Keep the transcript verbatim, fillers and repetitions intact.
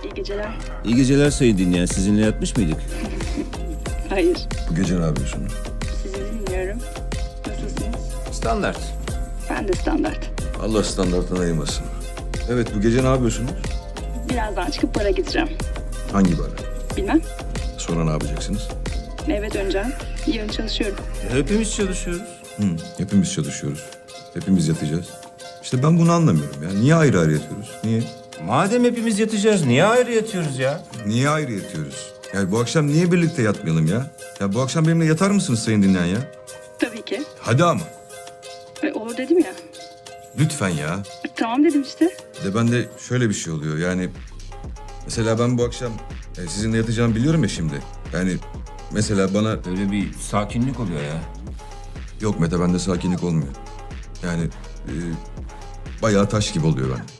İyi geceler. İyi geceler sayın dinleyen. Sizinle yatmış mıydık? Hayır. Bu gece ne yapıyorsunuz? Sizi dinliyorum. Nasılsınız? Standart. Ben de standart. Allah standarttan ayırmasın. Evet, bu gece ne yapıyorsunuz? Birazdan çıkıp bara gideceğim. Hangi bara? Bilmem. Sonra ne yapacaksınız? Eve döneceğim. Yarın çalışıyorum. Hepimiz çalışıyoruz. Hı, hepimiz çalışıyoruz. Hepimiz yatacağız. İşte ben bunu anlamıyorum ya. Niye ayrı ayrı yatıyoruz? Niye? Madem hepimiz yatacağız, niye ayrı yatıyoruz ya? Niye ayrı yatıyoruz? Yani bu akşam niye birlikte yatmayalım ya? Ya bu akşam benimle yatar mısınız sayın dinleyen ya? Tabii ki. Hadi ama. E, olur dedim ya. Lütfen ya. E, tamam dedim işte. Bir de bende şöyle bir şey oluyor yani... Mesela ben bu akşam e, sizinle yatacağımı biliyorum ya şimdi. Yani mesela bana... Böyle bir sakinlik oluyor ya. Yok Mete, bende sakinlik olmuyor. Yani e, bayağı taş gibi oluyor ben.